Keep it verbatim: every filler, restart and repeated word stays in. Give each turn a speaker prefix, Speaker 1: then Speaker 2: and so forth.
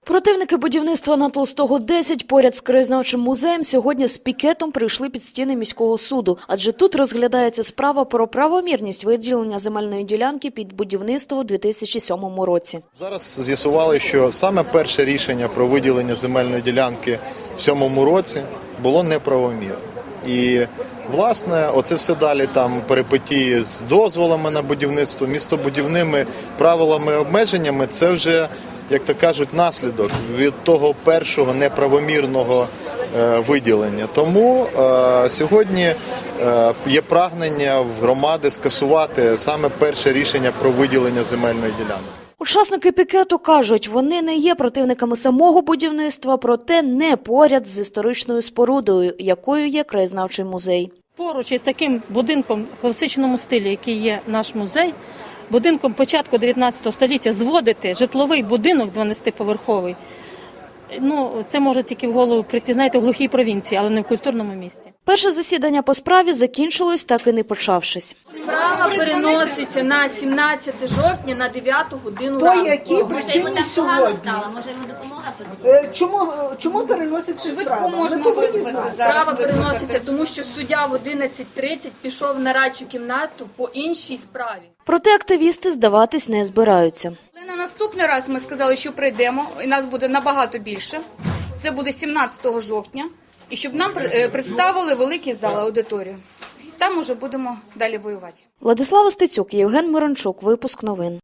Speaker 1: Противники будівництва на Толстого, десять, поряд з краєзнавчим музеєм, сьогодні з пікетом прийшли під стіни міського суду. Адже тут розглядається справа про правомірність виділення земельної ділянки під будівництво у дві тисячі сьомому році.
Speaker 2: Зараз з'ясували, що саме перше рішення про виділення земельної ділянки в сьомому році було неправомірне. І, власне, оце все далі там перипетії з дозволами на будівництво, містобудівними правилами, обмеженнями – це вже, як то кажуть, наслідок від того першого неправомірного е, виділення. Тому е, сьогодні е, є прагнення в громади скасувати саме перше рішення про виділення земельної ділянки.
Speaker 1: Учасники пікету кажуть, вони не є противниками самого будівництва, проте не поряд з історичною спорудою, якою є краєзнавчий музей.
Speaker 3: Поруч із таким будинком в класичному стилі, який є наш музей, будинком початку дев'ятнадцятого століття, зводити житловий будинок дванадцятиповерховий, ну, це може тільки в голову прийти, знаєте, в глухій провінції, але не в культурному місці.
Speaker 1: Перше засідання по справі закінчилось, так і не почавшись.
Speaker 4: Справа переноситься на сімнадцяте жовтня на дев'яту годину
Speaker 5: По
Speaker 4: ранку.
Speaker 5: якій причині сьогодні?
Speaker 6: Може йому допомога потрібна?
Speaker 5: Е, Чому, чому переноситься справа?
Speaker 6: можна
Speaker 5: Ми повинні
Speaker 6: визвати
Speaker 5: знати.
Speaker 4: Справа переноситься, тому що суддя в одинадцять тридцять пішов на радчу кімнату по іншій справі.
Speaker 1: Проте активісти здаватись не збираються.
Speaker 6: Але на наступний раз ми сказали, що прийдемо, і нас буде набагато більше. Це буде сімнадцятого жовтня, і щоб нам е, представили великий зал, аудиторію. Там уже будемо далі воювати.
Speaker 1: Владислава Стецюк, Євген Мирончук. Випуск новин.